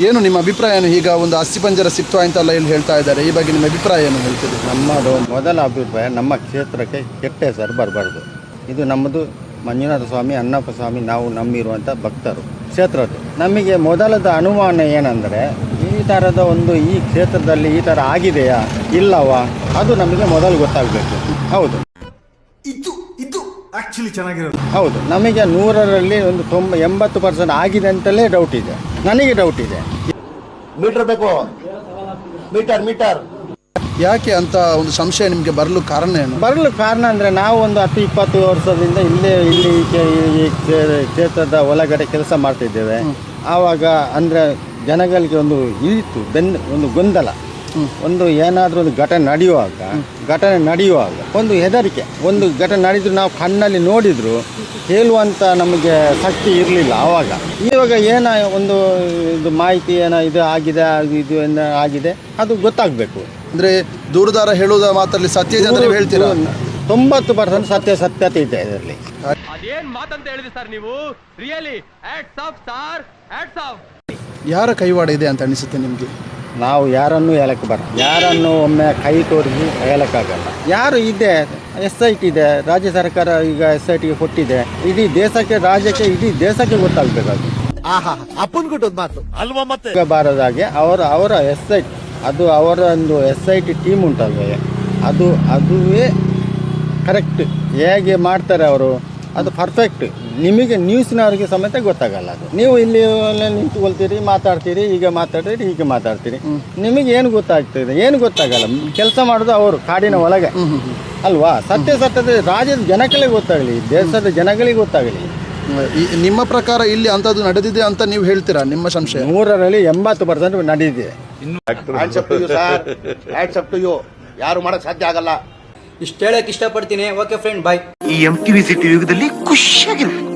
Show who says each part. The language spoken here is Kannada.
Speaker 1: ಏನು ನಿಮ್ಮ ಅಭಿಪ್ರಾಯ ಏನು? ಈಗ ಒಂದು ಅಸ್ಥಿಪಂಜರ ಸಿಕ್ತು ಅಂತೆಲ್ಲ ಇಲ್ಲಿ ಹೇಳ್ತಾ ಇದ್ದಾರೆ, ಈ ಬಗ್ಗೆ ನಿಮ್ಮ ಅಭಿಪ್ರಾಯ ಏನು ಹೇಳ್ತೀರಿ?
Speaker 2: ನಮ್ಮದು ಮೊದಲ ಅಭಿಪ್ರಾಯ, ನಮ್ಮ ಕ್ಷೇತ್ರಕ್ಕೆ ಕೆಟ್ಟ ಹೆಸರು ಬರಬಾರ್ದು. ಇದು ನಮ್ಮದು ಮಂಜುನಾಥ ಸ್ವಾಮಿ, ಅಣ್ಣಪ್ಪ ಸ್ವಾಮಿ, ನಾವು ನಂಬಿರುವಂಥ ಭಕ್ತರು ಕ್ಷೇತ್ರದ್ದು. ನಮಗೆ ಮೊದಲದ ಅನುಮಾನ ಏನಂದರೆ, ಈ ಥರದ ಒಂದು ಈ ಕ್ಷೇತ್ರದಲ್ಲಿ ಈ ಥರ ಆಗಿದೆಯಾ ಇಲ್ಲವಾ, ಅದು ನಮಗೆ ಮೊದಲು ಗೊತ್ತಾಗಬೇಕು. ಹೌದು,
Speaker 3: ಆಕ್ಚುಲಿ ಚೆನ್ನಾಗಿರೋದು.
Speaker 2: ಹೌದು, ನಮಗೆ 100ರಲ್ಲಿ ಒಂದು 80% ಆಗಿದೆ ಅಂತಲೇ ಡೌಟ್ ಇದೆ. ನನಗೆ ಡೌಟ್ ಇದೆ.
Speaker 4: ಮೀಟರ್ ಬೇಕು, ಮೀಟರ್
Speaker 1: ಯಾಕೆ ಅಂತ ಒಂದು ಸಂಶಯ ನಿಮಗೆ ಬರಲು ಕಾರಣ ಏನು?
Speaker 2: ಬರಲು ಕಾರಣ ಅಂದರೆ, ನಾವು ಒಂದು 10-20 ವರ್ಷದಿಂದ ಇಲ್ಲಿ ಈ ಕ್ಷೇತ್ರದ ಒಳಗಡೆ ಕೆಲಸ ಮಾಡ್ತಿದ್ದೇವೆ. ಆವಾಗ ಅಂದರೆ ಜನಗಳಿಗೆ ಒಂದು ಇತ್ತು ಒಂದು ಗೊಂದಲ, ಒಂದು ಏನಾದರೂ ಒಂದು ಘಟನೆ ನಡೆಯುವಾಗ ಒಂದು ಹೆದರಿಕೆ. ಒಂದು ಘಟನೆ ನಡೆದ್ರು ನಾವು ಕಣ್ಣಲ್ಲಿ ನೋಡಿದ್ರು ಹೇಳುವಂಥ ನಮಗೆ ಶಕ್ತಿ ಇರಲಿಲ್ಲ ಆವಾಗ. ಇವಾಗ ಒಂದು ಇದು ಮಾಹಿತಿ ಏನೋ ಇದು ಆಗಿದೆ, ಇದು ಏನೋ ಆಗಿದೆ, ಅದು ಗೊತ್ತಾಗಬೇಕು.
Speaker 1: ಅಂದರೆ ದೂರದಾರ ಹೇಳುವುದ ಮಾತಲ್ಲಿ ಸತ್ಯ ಇದೆ ಅಂತ ಹೇಳ್ತೀರಾ?
Speaker 2: 90% ಸತ್ಯತೆ ಇದೆ ಇದರಲ್ಲಿ.
Speaker 5: ಅದೇನ್ ಮಾತಂತ ಹೇಳಿದ್ರಿ ಸರ್ ನೀವು? Really hats off sir, hats off.
Speaker 1: ಯಾರ ಕೈವಾಡ ಇದೆ ಅಂತ ಅನಿಸುತ್ತೆ ನಿಮಗೆ?
Speaker 2: ನಾವು ಯಾರನ್ನೂ ಹೇಳಕ್ಕೆ ಬರಲ್ಲ, ಯಾರನ್ನು ಒಮ್ಮೆ ಕೈ ತೋರಿಸಿ ಹೇಳಕ್ಕಾಗಲ್ಲ. ಯಾರು ಇದೆ, SIT ಇದೆ, ರಾಜ್ಯ ಸರ್ಕಾರ ಈಗ SITಗೆ ಕೊಟ್ಟಿದೆ. ಇಡೀ ದೇಶಕ್ಕೆ, ರಾಜ್ಯಕ್ಕೆ, ಇಡೀ ದೇಶಕ್ಕೆ ಗೊತ್ತಾಗಬೇಕಾದ್ರು
Speaker 4: ಅಪ್ಪನ್ ಕೊಟ್ಟದ್ ಮಾತು ಅಲ್ವಾ? ಮತ್ತೆ
Speaker 2: ಬಾರದಾಗೆ ಅವರ SIT, ಅದು ಅವರ ಒಂದು SIT ಟೀಮ್ ಉಂಟಲ್ವೇ, ಅದುವೇ ಕರೆಕ್ಟ್. ಹೇಗೆ ಮಾಡ್ತಾರೆ ಅವರು, ಅದು ಪರ್ಫೆಕ್ಟ್. ನಿಮಗೆ ನ್ಯೂಸ್ನವ್ರಿಗೆ ಸಮೇತ ಗೊತ್ತಾಗಲ್ಲ. ಅದು ನೀವು ಇಲ್ಲಿ ನಿಂತುಕೊಳ್ತೀರಿ, ಮಾತಾಡ್ತೀರಿ, ಹೀಗೆ ಮಾತಾಡ್ತೀರಿ, ನಿಮಗೆ ಏನು ಗೊತ್ತಾಗ್ತದೆ? ಏನು ಗೊತ್ತಾಗಲ್ಲ. ಕೆಲಸ ಮಾಡೋದು ಅವರು ಕಾಡಿನ ಒಳಗೆ ಅಲ್ವಾ? ಸತ್ಯದ ರಾಜ್ಯದ ಜನಗಳಿಗೆ ಗೊತ್ತಾಗಲಿ, ದೇಶದ ಜನಗಳಿಗೆ ಗೊತ್ತಾಗಲಿ.
Speaker 1: ನಿಮ್ಮ ಪ್ರಕಾರ ಇಲ್ಲಿ ಅಂಥದ್ದು ನಡೆದಿದೆ ಅಂತ ನೀವು ಹೇಳ್ತೀರಾ? ನಿಮ್ಮ ಸಂಶಯ?
Speaker 2: 100ರಲ್ಲಿ 80% ನಡೆದಿದೆ.
Speaker 4: ಯಾರು ಮಾಡಕ್ ಸಾಧ್ಯ ಆಗಲ್ಲ.
Speaker 6: ಇಷ್ಟು ಹೇಳಕ್ ಇಷ್ಟಪಡ್ತೀನಿ. Okay friend, bye.
Speaker 7: ಈ MTV ಸಿಟಿ ಯುಗದಲ್ಲಿ ಖುಷಿಯಾಗಿರು.